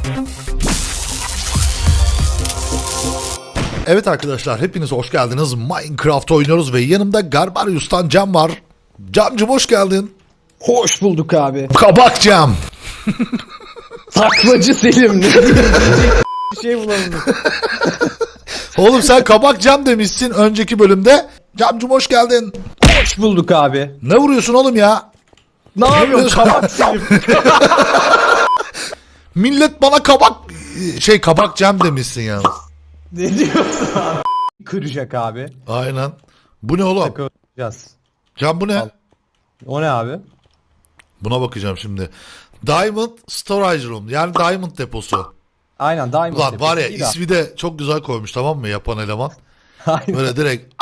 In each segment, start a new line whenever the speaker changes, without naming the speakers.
Evet arkadaşlar, hepiniz hoş geldiniz. Minecraft oynuyoruz ve yanımda Garbarius'tan Cem var. Camcım hoş geldin.
Hoş bulduk abi.
Kabak Cem.
Taklacı Selim. Ne diyeyim? Bir şey bulamadım.
Oğlum sen Kabak Cem demişsin önceki bölümde. Camcım hoş geldin.
Hoş bulduk abi.
Ne vuruyorsun oğlum ya?
Ne yapıyorsun kabak Selim?
Millet bana Kabak Cem demişsin yalnız.
Ne diyorsun abi? Kıracak abi.
Aynen. Bu ne oğlum?
Takılacağız.
Cem bu ne?
Al. O ne abi?
Buna bakacağım şimdi. Diamond Storage Room, yani Diamond deposu.
Aynen Diamond.
Ulan var ya,
Değil abi.
ismi de çok güzel koymuş, tamam mı, yapan eleman.
Aynen.
Böyle direkt.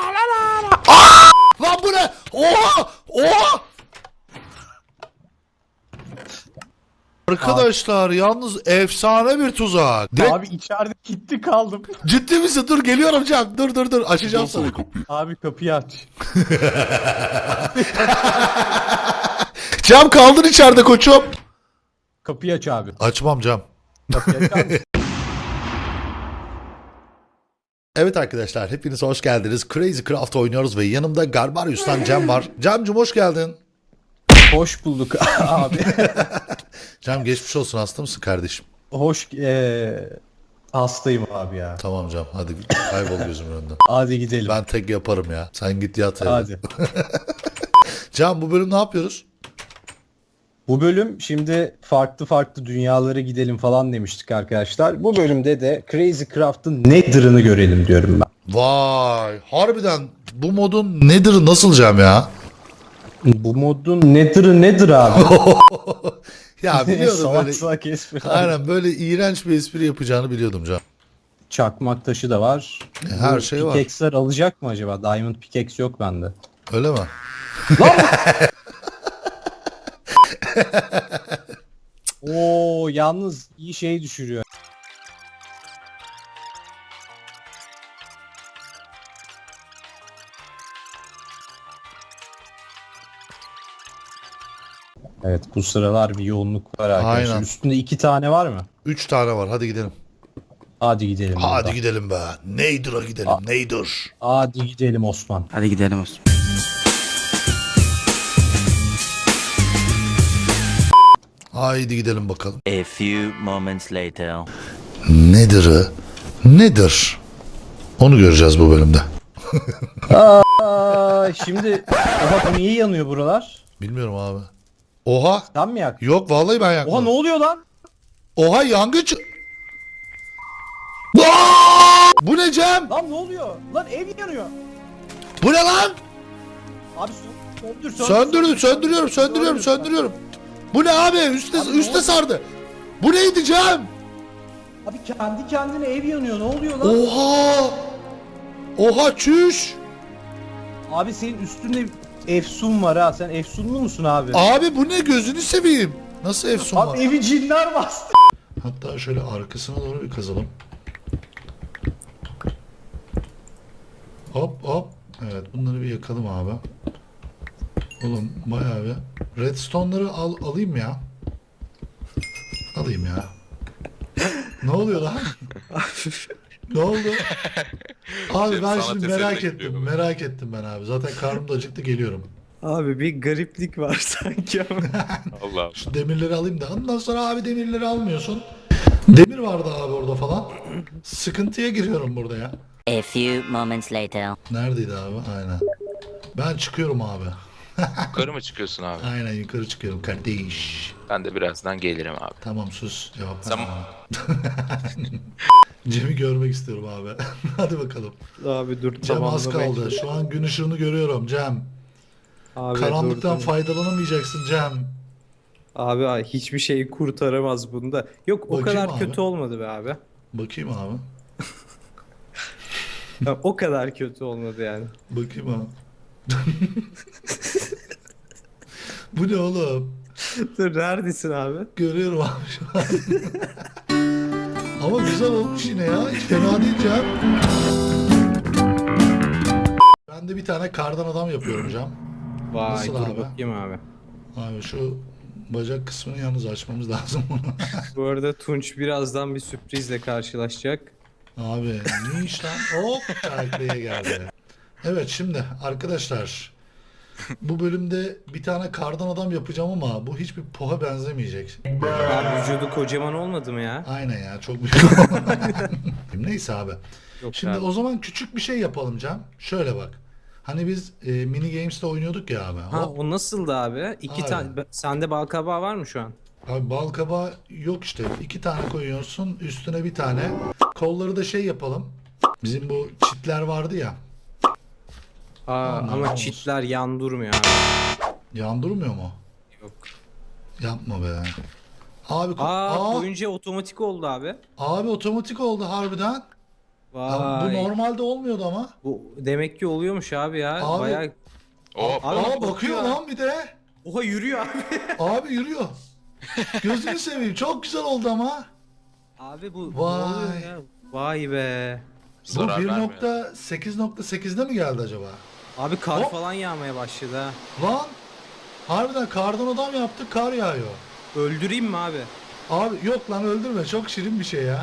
Lan bu ne? Oha! Oha! Arkadaşlar yalnız efsane bir tuzak. Direkt...
Abi içeride gitti kaldım.
Ciddi misin? Dur geliyorum Cem. Dur açacağım sana.
Abi kapıyı aç.
Cem kaldın içeride koçum.
Kapıyı aç abi.
Açmam Cem.
Kapıyı aç abi.
Evet arkadaşlar, hepiniz hoş geldiniz. Crazy Craft oynuyoruz ve yanımda Garbarius'tan Cem var. Cem'cim hoş geldin.
Hoş bulduk abi.
Cem geçmiş olsun, hasta mısın kardeşim?
Hoş hastayım abi ya.
Tamam Cem, hadi kaybol gözümün önünden.
Hadi gidelim.
Ben tek yaparım ya. Sen git yat evde.
Hadi.
Cem bu bölüm ne yapıyoruz?
Bu bölüm şimdi farklı dünyalara gidelim falan demiştik arkadaşlar. Bu bölümde de Crazy Craft'ın Nether'ını görelim diyorum ben.
Vay, harbiden bu modun nedir, nasıl Cem ya?
Bu modun Nether'ı nedir abi?
Ya biliyorum
Salak
böyle.
salak espri.
Aynen, böyle iğrenç bir espri yapacağını biliyordum Cem.
Çakmak taşı da var.
Her
Bu
şey var.
Pickaxe'ler alacak mı acaba? Diamond pickaxe yok bende.
Öyle mi?
Oo yalnız iyi şey düşürüyor. Evet bu sıralar bir yoğunluk var arkadaşlar.
Aynen.
Üstünde 2 tane var mı?
3 tane var, hadi gidelim.
Hadi gidelim.
Hadi
burada.
gidelim be. Neydur'a gidelim, neydur.
Hadi gidelim Osman.
Hadi gidelim olsun.
Haydi gidelim bakalım.
A few moments later.
Nedir? Onu göreceğiz bu bölümde.
Aa, şimdi oha bu niye yanıyor buralar?
Bilmiyorum abi. Oha.
Sen mi yak?
Yok vallahi ben
Oha
yakmadım.
ne oluyor lan?
Oha yangın Aa! Bu ne Cem?
Lan ne oluyor? Lan ev yanıyor.
Bu ne lan?
Abi
Söndürüyorum. Bu ne abi? Üste sardı. Bu neydi Cem?
Abi kendi kendine ev yanıyor. Ne oluyor lan?
Oha! Oha çüş!
Abi senin üstünde efsun var ha. Sen efsunlu musun abi?
Abi bu ne, gözünü seveyim. Nasıl efsun var?
Abi evi cinler bastı.
Hatta şöyle arkasına doğru bir kazalım. Hop. Evet, bunları bir yakalım abi. Oğlum bayağı bir. Redstone'ları alayım ya. Alayım ya. Ne oluyor lan? Ne oldu? Abi ben şimdi merak ettim ben abi. Zaten karnım da acıktı, geliyorum.
Abi bir gariplik var sanki ama.
Allah.
Şu demirleri alayım da ondan sonra abi demirleri almıyorsun. Demir vardı abi orada falan. Sıkıntıya giriyorum burada ya.
A few moments later.
Neredeydi abi? Aynen. Ben çıkıyorum abi.
Yukarı mı çıkıyorsun abi?
Aynen yukarı çıkıyorum kardeş.
Ben de birazdan gelirim abi.
Tamam sus. Cevap
Sen-
verme. Cem'i görmek istiyorum abi. Hadi bakalım.
Abi dur
Cem az
tamamlamaya
kaldı. Şu an gün ışığını görüyorum Cem.
Abi
Karanlıktan
dur.
faydalanamayacaksın Cem.
Abi hiçbir şey kurtaramaz bunda. Yok o
Bakayım
kadar
abi.
kötü olmadı be abi.
Bakayım abi.
Ya, o kadar kötü olmadı yani.
Bakayım abi. Bu ne oğlum?
Dur neredesin abi?
Görüyorum abi şu an. Ama güzel olmuş yine ya. Hiç fena değil Cem. Ben de bir tane kardan adam yapıyorum Cem.
Vay
Nasıl
dur
abi?
bakayım abi.
Abi şu bacak kısmını yalnız açmamız lazım bunu.
Bu arada Tunç birazdan bir sürprizle karşılaşacak.
Abi ne iş lan? Hop taklaya geldi. Evet şimdi arkadaşlar bu bölümde bir tane kardan adam yapacağım ama bu hiçbir poha benzemeyecek.
Abi vücudu kocaman olmadı mı ya?
Aynen ya çok büyük. Neyse abi.
Yok
Şimdi
abi.
o zaman küçük bir şey yapalım Cem. Şöyle bak. Hani biz mini games'te oynuyorduk ya abi.
Ha
Hop.
o nasıldı abi? İki
Abi.
tane sende bal kabağı var mı şu an?
Abi bal kabağı yok işte. 2 tane koyuyorsun üstüne bir tane. Kolları da şey yapalım. Bizim bu çitler vardı ya. Aman
Ama
olsun.
çitler yan durmuyor abi.
Yandırmıyor mu?
Yok.
Yapma be. Abi
Koyunca otomatik oldu abi.
abi otomatik oldu harbiden. Ya bu
Vay.
normalde olmuyordu ama.
Bu demek ki oluyormuş abi ya.
Abi.
Bayağı...
Hop.
Abi
Aa bakıyor
bakıyor.
lan bir de.
Oha yürüyor abi.
Abi yürüyor. Gözünü seveyim. Çok güzel oldu ama.
Abi bu
Vay.
ne oluyor ya? Vay be.
Bu
Zarar vermiyor.
1.8.8'de mi geldi acaba?
Abi kar
Hop.
falan yağmaya başladı ha.
Lan harbiden kardan adam yaptık kar yağıyor.
Öldüreyim mi abi?
Abi yok lan öldürme çok şirin bir şey ya.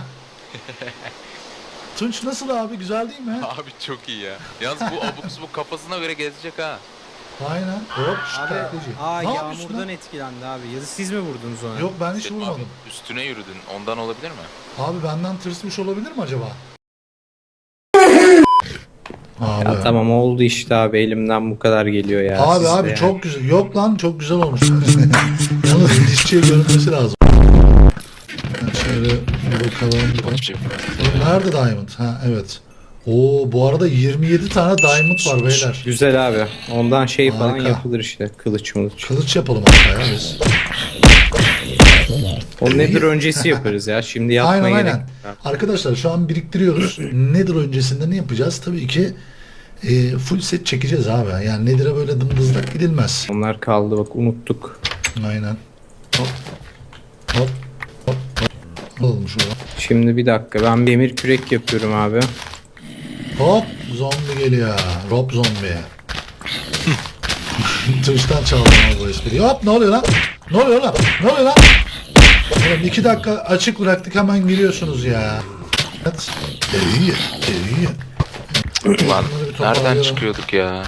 Tunç nasıl abi güzel değil mi?
Abi çok iyi ya. Yalnız bu abuk subuk kafasına göre gezecek ha.
Aynen. Hop şşt,
Abi
taklacı. Ne yapıyorsun
yağmurdan
lan?
etkilendi abi. Ya da siz mi vurdunuz ona?
Yok ben hiç
Selim
vurmadım.
abi üstüne yürüdün. Ondan olabilir mi?
Abi benden tırsmış olabilir mi acaba? Abi.
Ya tamam oldu işte abi elimden bu kadar geliyor ya.
Abi
siz de
abi
yani.
çok güzel. Yok lan çok güzel olmuş. Yalnız dişçiye görünmesi lazım. Ben şöyle bir bakalım.
Hiçbir şey bilmiyorum.
Nerede Diamond? Ha evet. Oo bu arada 27 tane Diamond var beyler.
Güzel abi. Ondan şey falan
Harika.
yapılır işte. Kılıç mılıç.
Kılıç yapalım hatta ya biz.
O nedir öncesi yaparız ya. Şimdi yapmaya
Aynen
gerek
aynen.
yok.
Arkadaşlar şu an biriktiriyoruz. Nedir öncesinde ne yapacağız? Tabii ki full set çekeceğiz abi. Yani Nedir'e böyle dımdızlak gidilmez.
Onlar kaldı bak unuttuk.
Aynen. Hop. Hop. Hop. Hop. Alalım şunu.
Şimdi bir dakika ben bir demir kürek yapıyorum abi.
Hop. Zombi geliyor. Rob zombi. Twitch'ten çaldım abi bu espriyi. Hop ne oluyor lan? Ne oluyor lan? Ne oluyor lan? Oğlum 2 dakika açık bıraktık hemen giriyorsunuz ya. Evet. İyi. İyi.
Lan
Bunları bir
nereden
toparlayalım.
çıkıyorduk ya?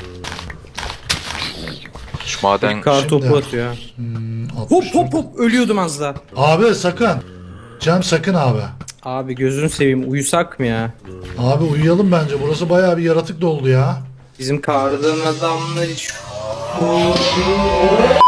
Şu maden
Kar
Şimdi-
topu atıyor. Hop hop hop ölüyordum az daha.
Abi sakın. Cem sakın abi.
Abi gözünü seveyim uyusak mı ya?
Abi uyuyalım bence. Burası bayağı bir yaratık doldu ya.
Bizim kardan adamlar hiç...